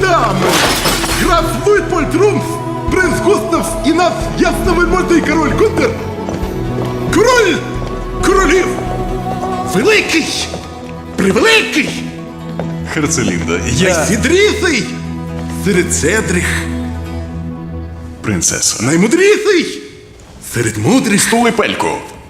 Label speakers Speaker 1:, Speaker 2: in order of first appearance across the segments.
Speaker 1: Дамы, граф Луйтпольд Румф, принц Густавс і наш ясновельможний король Гунтер. Король королів! Великий! Превеликий!
Speaker 2: Херцелінда,
Speaker 1: Найсідрісий серед седрих.
Speaker 2: Принцесо.
Speaker 1: Наймудрісий серед мудрих.
Speaker 2: Стулипельку!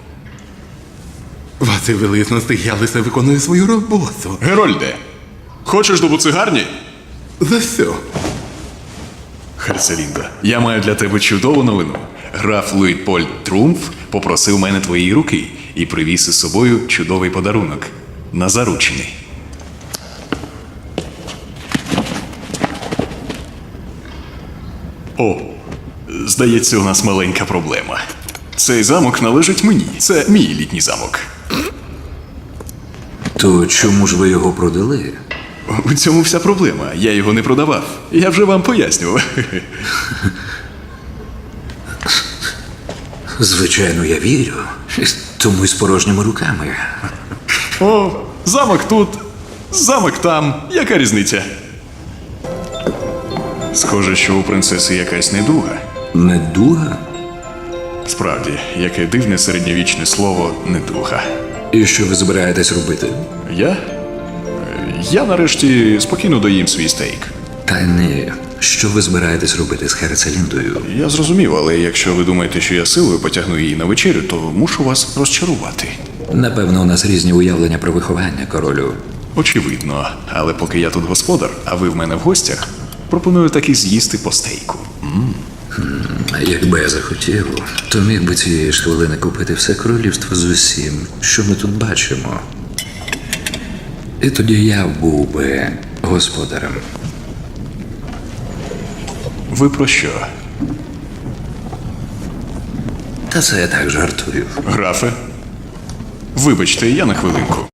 Speaker 1: Ваші величності, я лише виконую свою роботу.
Speaker 2: Герольде, хочеш до буцигарні?
Speaker 1: За що?
Speaker 2: Херцелінда, я маю для тебе чудову новину. Граф Луїтпольд Трумф попросив мене твоєї руки і привіз із собою чудовий подарунок на заручини. О, здається, у нас маленька проблема. Цей замок належить мені. Це мій літній замок.
Speaker 3: То чому ж ви його продали?
Speaker 2: У цьому вся проблема. Я його не продавав. Я вже вам пояснював.
Speaker 3: Звичайно, я вірю. Тому й з порожніми руками.
Speaker 2: О, замок тут, замок там. Яка різниця? Схоже, що у принцеси якась недуга.
Speaker 3: Недуга?
Speaker 2: Справді, яке дивне середньовічне слово недуга.
Speaker 3: І що ви збираєтесь робити?
Speaker 2: Я нарешті спокійно доїм свій стейк.
Speaker 3: Та ні. Що ви збираєтесь робити з Херцеліндою?
Speaker 2: Я зрозумів, але якщо ви думаєте, що я силою потягну її на вечерю, то мушу вас розчарувати.
Speaker 3: Напевно, у нас різні уявлення про виховання, королю.
Speaker 2: Очевидно, але поки я тут господар, а ви в мене в гостях, пропоную таки з'їсти по стейку.
Speaker 3: Якби я захотів, то міг би цієї ж хвилини купити все королівство з усім, що ми тут бачимо. І тоді я був би господарем.
Speaker 2: Ви про що?
Speaker 3: Та це я так жартую.
Speaker 2: Графе? Вибачте, я на хвилинку.